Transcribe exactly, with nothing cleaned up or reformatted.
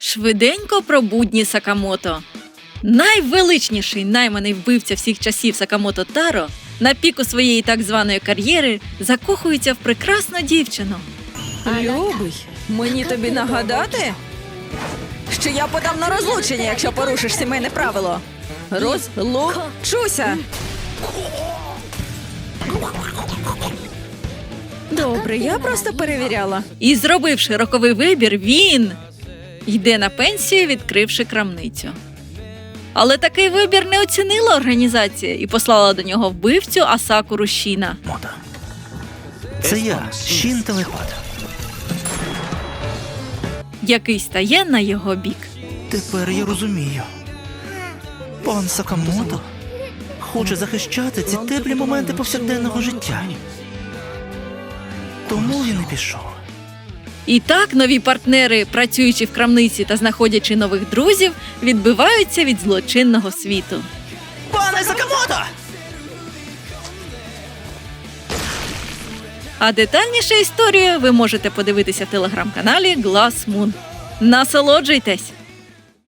Швиденько про будні Сакамото. Найвеличніший найманий вбивця всіх часів Сакамото Таро на піку своєї так званої кар'єри закохується в прекрасну дівчину. Любий, мені тобі нагадати, що я подам на розлучення, якщо порушиш сімейне правило. Розлучуся. Добре, я просто перевіряла. І зробивши роковий вибір, він йде на пенсію, відкривши крамницю. Але такий вибір не оцінила організація і послала до нього вбивцю Асакуру Шіна, Мота. Це я, Шін телепат. який стає на його бік. Тепер я розумію. Пан Сакамото хоче захищати ці теплі моменти повсякденного життя. Тому він і пішов. І так нові партнери, працюючи в крамниці та знаходячи нових друзів, відбиваються від злочинного світу. Пане Сакамото! А детальніше історію ви можете подивитися в телеграм-каналі Glass Moon. Насолоджуйтесь!